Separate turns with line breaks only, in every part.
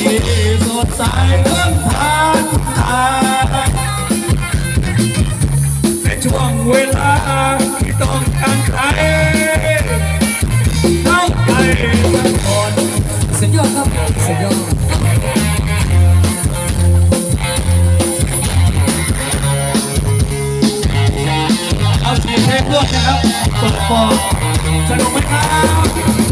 สดใสเรื่องทางในช่วงเวลาที่ต้องการใครเข้าใจสักคนสุดยอดครับสุดยอดเอาเสียงเพลงด้วยนะครับเปิดฟอร์สนุกไหมครับ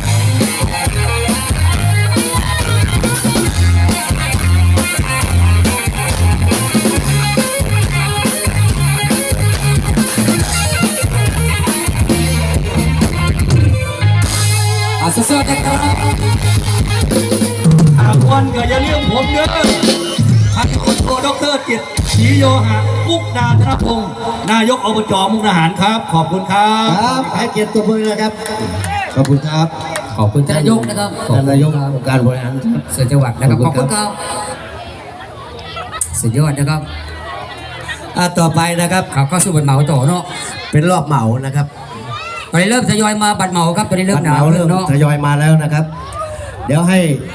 สวัสดีครับหากวันก็อย่าเลี้ยงผมเด้อท่านคนโทดร.จิตรศรีโยหะมุกดาธนพงศ์นายกอบจ.มุกดาหารครับขอบคุณครับ
ครับให้เกียรติตัวมือนะครับขอบคุณครับ
ขอบคุณท่านนายกนะครับ
ท่านนายกองค์การบริหาร
ส่วนจังหวัดนะครับขอบคุณครับสุดยอดนะครับ
ต่อไปนะครับ
เขาก็สู้บัตรเหมาต่อเนาะ
เป็นรอบเหมานะครับ
ตอนนี้เริ่มทยอยมาบัตรเหมาครับตอนนี้เริ่มหนาว
เริ่มทยอยมาแล้วนะครับเดี๋ยวให้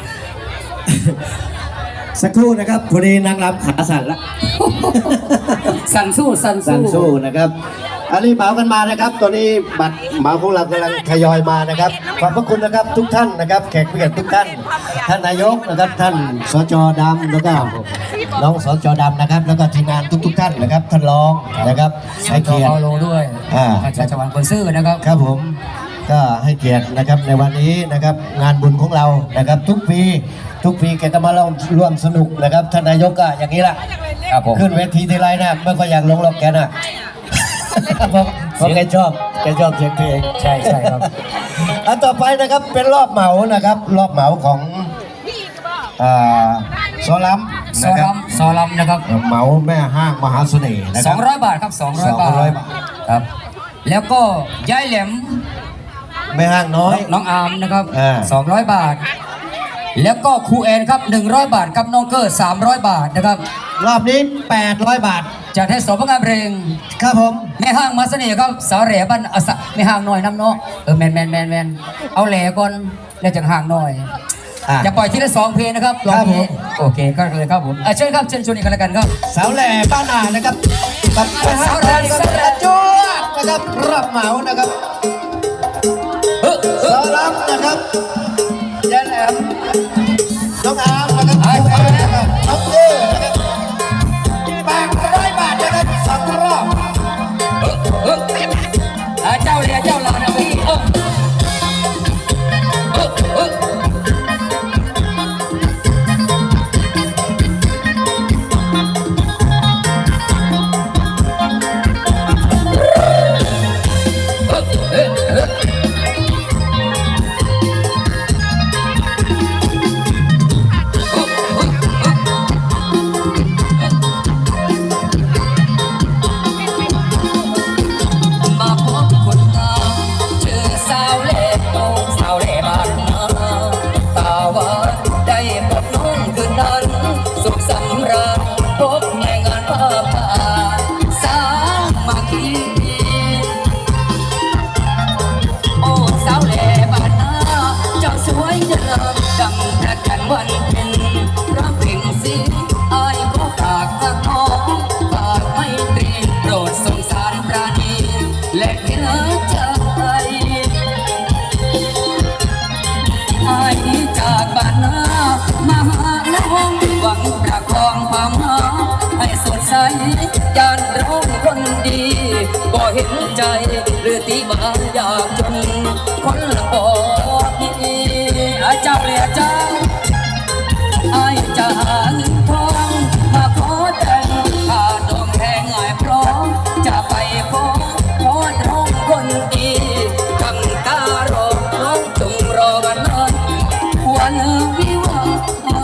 สักครู่นะครับพอดีนางรำขาสั่นละ
สั่นสู้
นะครับอันนี้เหมากันมานะครับตอนนี้บัตรเหมาของเรากำลังทยอยมานะครับขอบพระคุณนะครับทุกท่านนะครับแขกผู้เกียรติทุกท่านท่านนายกนะครับท่านสจ.ดำแล้วก็น้องสจ.ดำนะครับแล้วก็ทีมงานทุกท่านนะครับท่านรองนะครับให้เกียรติ
โลด้วยจากจังหวัดคนซื่อนะครับ
ครับผมก็ให้เกียรตินะครับในวันนี้นะครับงานบุญของเรานะครับทุกปีแกก็มาร่วมสนุกนะครับท่านนายกก็อย่างนี้แหละขึ้นเวทีทีไรนะเมื่อก็อยากลงหรอกแกน่ะเพราะแกชอบเสียงเพลง
ใช่ครับ
อันต่อไปนะครับเป็นรอบเหมานะครับรอบเหมาของซอลัม
นะครับ
เหมาแม่ห้างมหาเสน่ห์นะครับ
200 บาทครับ200 บาทครับแล้วก็ย้ายแหลม
แม่ห้างน้อย
น้องอาร์มนะครับ200 บาทแล้วก็ครูแอนครับ100 บาทกับน้องเกอร์300 บาทนะครับ
รอบนี้800 บาท
จากเทศบาลเพลง
ครับผม
แม่ห้างมาเสน่ห์ครับสาวแหล่บ้านแม่ห้างหน่อยน้ำเนาะแมนเอาแหล่ก่อนแล้วจากห้างหน่อยจะปล่อยทีละ2 เพลงนะครับรอบนี้โอเคก็เลยครับผมเชิญครับเชิญชวนอีกกันแล้วกันครับ
สาวแหล่บ้านนานะครับกับสาวแหล่จ้วนะครับรับเหมานะครับสาวรับนะครับยายแหลมน้องอาร์มนะครับน้องเต้นะครับ800 บาทนะครับ2 รอบ
เจ้าลานะพี่ยานร้องคนดีก็เห็นใจหรือตีมาอยากจนคนละบอกนี่เจ้าเลยเจ้าจะหาเงินทองมาขอแต่งข้าดองแทงง่ายพร้อมจะไปฟ้องขอร้องคนดีกำตารอร้องจงรอวันนั้นวันวิวา